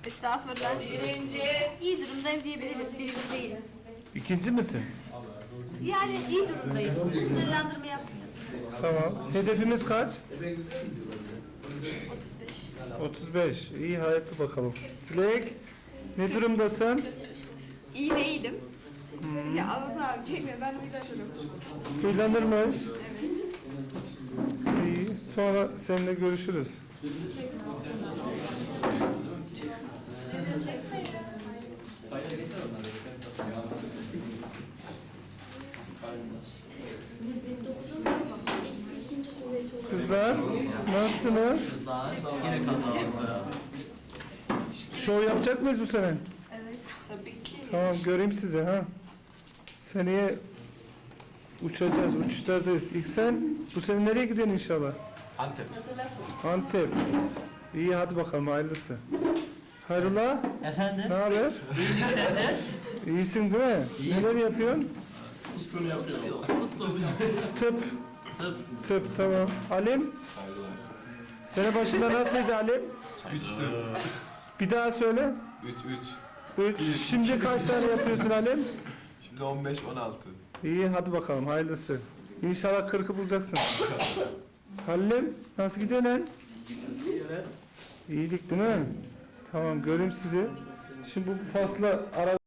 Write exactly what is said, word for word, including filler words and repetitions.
Estağfurullah. Birinci. İyi durumdayım diyebiliriz. Birinci değiliz. İkinci misin? Yani iyi durumdayım. Sırlandırma yapmıyorum. Tamam. Hedefimiz kaç? otuz beş. otuz beş. İyi, hayatlı bakalım. Dilek, ne durumdasın? İyi değilim. Hmm. Ya Allah'ın abi çekme. Ben de güzel söylüyorum. Huylanırmış. İyi. Sonra seninle görüşürüz. Kızlar, nasılsınız? Kızlar yine kazandı. Şov yapacak mıyız bu sene? Evet. Tabii ki. Tamam, göreyim sizi ha. Seneye uçacağız, uçuşlardayız. İlk sen, bu sene nereye gidiyorsun inşallah? Antep. Antep. İyi, hadi bakalım, hayırlısı. Hayrola, Efendim? ne haber? İyilik sende. İyisin değil mi? İyi. Neler yapıyorsun? Tıp. Tıp. Tıp, tamam. Alim? Sene başında nasıldı Alim? Üçtü. Bir daha söyle. Üç, üç. Üç. Şimdi kaç tane yapıyorsun Alim? Şimdi on beş, on altı. İyi, hadi bakalım, hayırlısı. İnşallah kırkı bulacaksın. Halim, nasıl gidiyor lan? İyilik değil mi? Tamam, göreyim sizi. Şimdi bu fasla ara